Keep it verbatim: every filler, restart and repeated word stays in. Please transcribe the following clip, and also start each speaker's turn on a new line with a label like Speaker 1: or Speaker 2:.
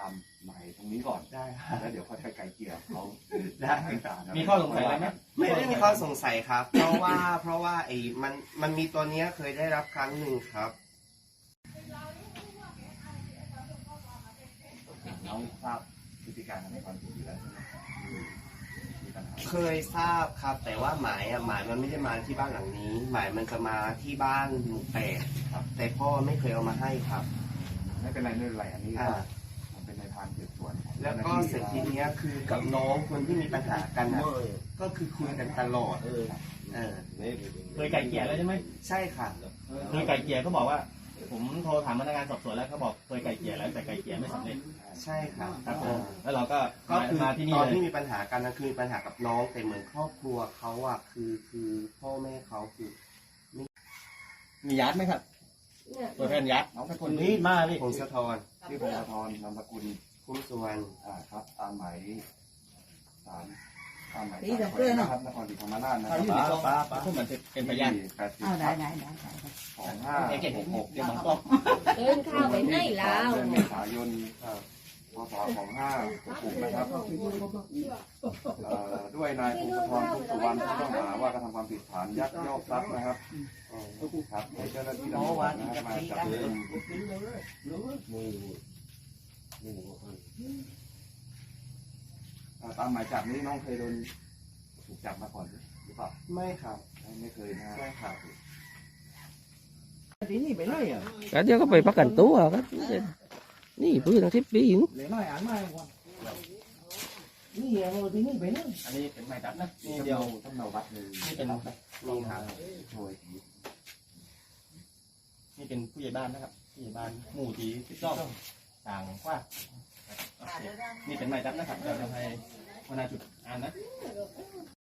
Speaker 1: ามหมายตรงนี้ก่อน
Speaker 2: ได้ค่ะ
Speaker 1: แล้วเดี๋ยวเขาจะไกลเกลี่ยเขา
Speaker 2: ได้
Speaker 1: ต่างๆนะ
Speaker 3: มีข้อสงสัยอะไรไหม
Speaker 2: ไม่ได้มีข้อสงสัยครับ เพราะว่าเพราะว่าไอ้มันมันมีตัวเนี้ยเคยได้รับครั้งหนึ่งครับ
Speaker 1: น้องทราบพฤติการในความผิดอยู่แล้วใช่ไหมมีปัญหา
Speaker 2: เคยทราบครับ แต่ว่าหมายอ่ะหมายมันไม่ได้มาที่บ้านหลังนี้ หมายมันจะมาที่บ้านหมู่แปดครับ แต่พ่อไม่เคยเอามาให้ครับ
Speaker 1: ไม่เป็นไรไม่เป็นไรอันนี้
Speaker 2: อ่า
Speaker 1: มันเป็นในทางสืบสวนของ
Speaker 2: แล้วก็เสร็จทีเนี้ยคือกับน้องคนที่มีปัญหากันนะก็คือคุยกันตลอดเออ
Speaker 3: เคยไก่เกลี่ยแล้วใช่ไหม
Speaker 2: ใช่ค่ะ
Speaker 3: เคยไก่เกลี่ยเขาบอกว่า ผมโทรถามพนักงานสอบสวนแล้วเขาบอกเคยไก่เกลี่ยแล้วแต่ไก่เกลี่ยไม่สำเร็จ
Speaker 2: ใช่ค่ะ
Speaker 3: ครับผมแล้วเราก็
Speaker 2: ก็คือ
Speaker 3: มาที่นี่
Speaker 2: ตอน
Speaker 3: เลย
Speaker 2: ที่มีปัญหากันนะคือมีปัญหากับน้องแต่เหมือนครอบครัวเขาอ่ะคือคือพ่อแม่เขาคือ
Speaker 3: มียัดไหมครับ ตัวแทนยัด
Speaker 1: น้องเป็นค
Speaker 3: คน นนี้มาพี่
Speaker 2: พงศธร
Speaker 1: ชื่อพงศธรนามสกุล
Speaker 2: คุ้มสุวรรณ
Speaker 1: อ่าครับตามหมายศาลตามหมาย
Speaker 4: นี่
Speaker 1: ศาล
Speaker 4: เดี๋ยวเพื่อน
Speaker 1: นะครับนครศรีธรรมราชนะค
Speaker 3: ป้า
Speaker 1: รับ
Speaker 3: ป้าป้าพวกมันเป็นพยาน
Speaker 1: ที่แปดสิบ
Speaker 4: เอาได้ได้ได้ได้
Speaker 1: สองห้า
Speaker 3: เอเก็บ
Speaker 1: หกหก
Speaker 3: เดี๋ยวมันต้อง
Speaker 5: เดินข้าวไปไหนแล้ว
Speaker 1: เดือนเมษายนพศสองห้าหกหกนะครับเอ่อด้วยนายพงศธรทุกสุวรรณผู้ต้องหาว่ากระทำความผิดฐานยักยอกทรัพย์นะครับครับให้เจ้าหน้าที่ตำรวจนะครับมาจับกุมอ่าตามหมายจับนี้น้องเคยโดนถูกจับมาก่อนหรือเปล่า
Speaker 2: ไม่ครับ
Speaker 1: ไม่เคยนะ
Speaker 2: ไม่ครับ
Speaker 4: ที่นี่ไปเลยอ่ะ
Speaker 6: cả đứa có bị bắt cảnh tú à các ní bữa thằng tiếp đi
Speaker 4: เลยน้อยอ่านมาก่อนนี่เออที่นี่ไปเลย
Speaker 3: อันนี้เป็นหมายจับนะนี่
Speaker 1: นี่
Speaker 3: เดี
Speaker 1: เดี
Speaker 3: ย
Speaker 1: ยว วต้องเนาวัดเลย
Speaker 3: นี่เป็น
Speaker 2: นี่ครับ
Speaker 1: โดย
Speaker 3: นี่เป็นผู้ใหญ่บ้านนะครับผู้ใหญ่บ้านหมู่ที่สิบสองต่างกว่านี่เป็นหมายจับนะครับเราจะให้หัวหน้าจุดอ่านนะ